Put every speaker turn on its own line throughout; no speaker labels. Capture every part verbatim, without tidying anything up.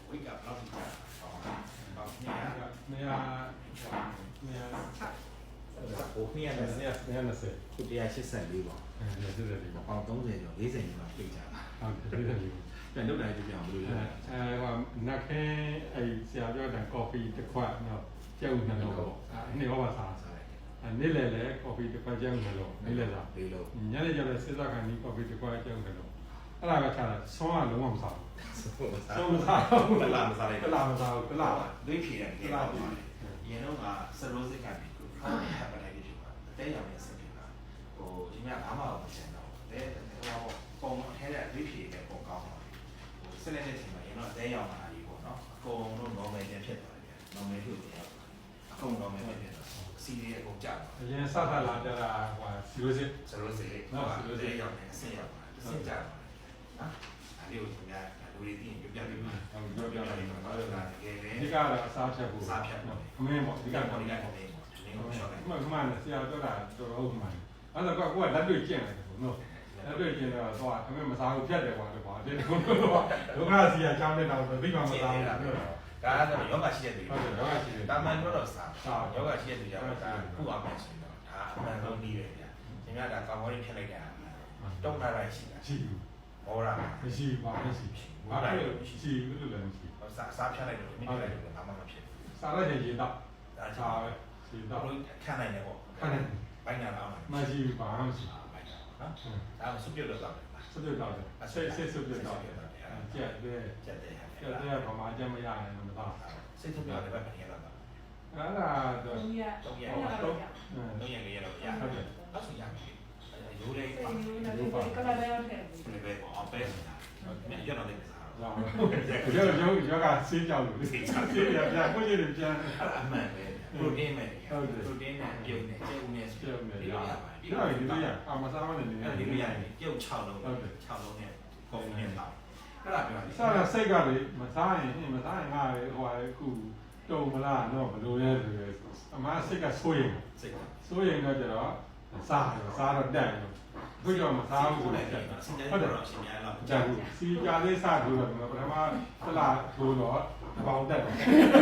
ဝိတ်ကဘယ်လောက်ထိကြာတော့နေရနေရနေရဟိုနေရနေရနေရနေစခုတရားရှစ်ဆက်လေးပေါ့အဲရှစ်ဆက်လေးပေါ့ပေါင်သုံးဆယ်ကျော်လေးဆယ်ကျော်လောက်ပြည့်ကြတာဟုတ်တယ်လေးဆယ်ကျော်ပြန်လုပ်တိုင်းကြည့်အောင်ဘယ်လိုလဲအဲဟိုနက်ခဲအဲဆရာပြောတဲ့ coffee တစ်ခွက်တော့ကျုပ်နှလုံးပေါ့အဲနေရောပါစားအဲနေ့လေလေကော်ဖီတစ်ခွက်ကျုပ်နှလုံးနေ့လေစားပြီးလို့ညနေကျတော့စစ်သားကန်ဒီကော်ဖီတစ်ခွက်ကျုပ်နှလုံးအဲ့ဒါပဲချတာဆွမ်းကလုံးဝမစားဘူးဆွမ်းမစားဘူးကလာမစားလိုက်ကလာမစားဘူးကလာဒွေးဖြေတယ်ကလာပါရင်တော့ကစရိုးစစ်ကန်ဒီကိုဟပ်ပလိုက်ဖြစ်ပါအတဲရောင်နဲ့ဆက်ဖြစ်တာဟိုဒီမြဘာမှမချင်တော့တဲဟိုပုံအထဲကဒွေးဖြေတဲ့ပုံကောင်းပါဟိုဆက်လက်တဲ့ချိန်မှာရင်တော့အတဲရောင်လာပြီပေါ့နော်အကုန်လုံး normal ပြန်ဖြစ်သွားတယ် normal ဖြစ်တယ်အကုန် normal ဖြစ်သွားစီးရဲ့အကုန်ကြပါအရင်စသလာကြတာဟိုစီရိုးစစ်စီရိုးစစ်နော်စီရိုးစစ်ရောက်နေအဆင့်ရောက်ပါတယ်အဆင့်ကြပါနော်အဲ့ဒီကိုသူများလူတွေသိရင်ပြပြပြီးမှာဟုတ်ပြပြပြီးမှာဘာလို့လဲတကယ်လေဒီကတော့အစားဖြတ်ဖို့စားဖြတ်ပေါ့အမင်းပေါ့ဒီကတော့ဒီကတော့ဒီကိုရှော့တယ်မှန်မှန်ဆရာပြောတာတော်တော်ဟုတ်မှန်အဲ့ဒါကကိုကလက်တွေ့ကျင့်တယ်ပေါ့နော်လက်တွေ့ကျင့်တော့တော့အမင်းမစားဘူးဖြတ်တယ်ကွာတော့ဒီကုန်းတော့ဒုက္ခစီယာချောင်းတဲ့တော့သိမှမစားဘူးပြောတာဒါကတော့ယောဂရှိတဲ့သူဟုတ်တယ်ယောဂရှိတဲ့တာမန်တော့စားယောဂရှိတဲ့သူကဒါခုအောင်မယ်ဆိုတော့ဒါအမှန်ဆုံးပြီးတယ်ဗျာဒီများဒါကောင်းကောင်းလေးဖြတ်လိုက်တာတုံးလာလိုက်ရှိတာရှိဘူးမောတာမရှိပါမရှိဘာလို့ရှိဘူးလို့လည်းမရှိစားစားဖြတ်လိုက်တော့မိလိုက်တော့ဘာမှမဖြစ်ဘူးစားလိုက်ရင်ရေတော့ဒါချာပဲရေတော့ခံနိုင်တယ်ပေါ့ခံနိုင်ဘိုင်းနာတော့မရှိပါမရှိဘိုင်းနာနော်ဒါကစုပြုတ်တော့စုပြုတ်တော့အဆွေဆွေစုပြုတ်တော့ကျက်တယ်ကျက်တယ်ကျက်တယ်ဘာမှအကျမရရင်မသားစိတ်ထုတ်ပြတယ်ပဲခင်ဗျာအဲ့ဒါတော့တော့ရတော့ရတော့ရရတော့ရဟုတ်တယ်အဲ့ဆိုရမယ်ရိုးလေးပါရိုးပါကလာလည်းဟုတ်တယ်ဒီပဲပေါ့အပဲနေတာမြင်ရတော့လည်းစားတော့ရောရောရောကဆေးကြောက်လို့ဆေးကြောက်ဆေးရပြကိုကြီးတွေပြန်အမှန်ပဲပရိုတင်းပဲဟုတ်တယ်ပရိုတင်းနဲ့ပြုတ်နဲ့ကျဲဦးနဲ့ပြုတ်နဲ့ရပါတယ်ပြီးတော့ဒီလိုရအမစားမနေနေဒီလိုရပြုတ်၆လုံးဟုတ်တယ်၆လုံးနဲ့ကော်ဖီနဲ့တောက်အဲ့ဒါပြောစားရစိတ်ကလေမစားရင်မစားရင်ငါလေဟိုအခုတုံမလားတော့ဘလို့လဲဆိုရယ်အမစိတ်ကဆိုးရင်စိတ်ကဆိုးရင်တော့ကျတော့စားတော့စားတော့တက်တော့ခုကြောင့်မစားဘူးဆိုတော့ဟုတ်တယ်ရှင်များတော့ကြာဘူးစီကြာလေးစားလို့တော့ပထမသလားထိုးတော့တပေါင်းတက်တယ်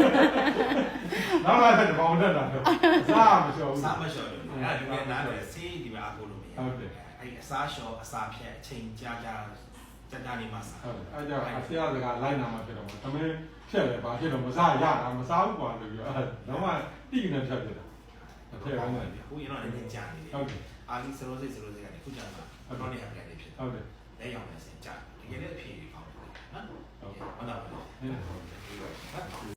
နောက်လာတဲ့တပေါင်းတက်တာတော့စားမလျှော်ဘူးစားမလျှော်ဘူးအဲ့ဒါဒီကနားတယ်စီးဒီမှာအကုန်လုံးမရဟုတ်တယ်အဲ့အစားလျှော်အစားဖြတ်အချိန်ကြာကြာစက်တာနေမှာစားဟုတ်အဲ့ကြောင့်အဆရာစကားလိုက်နာမှာဖြစ်တော့မှာသမင်းဖြတ်တယ်ဘာဖြစ်တော့မစားရတာမစားဘူးကွာလို့ပြောအဲ့တော့မှတိနေဖြတ်ဖြစ်တာအထက်ကောင်းတယ်ခုရင်တော့လည်းကြာနေတယ်ဟုတ်တယ်အာလီစရိုးစိတ်စရိုးစိတ်ကနေခုကြာတာတော့နေအပြတ်လေးဖြစ်ဟုတ်တယ်လက်ရောင်နဲ့စင်ကြာတကယ်လည်းအဖြေကောင်းတယ်နော်ဟုတ်ကဲ့ဟုတ်ပါဘူး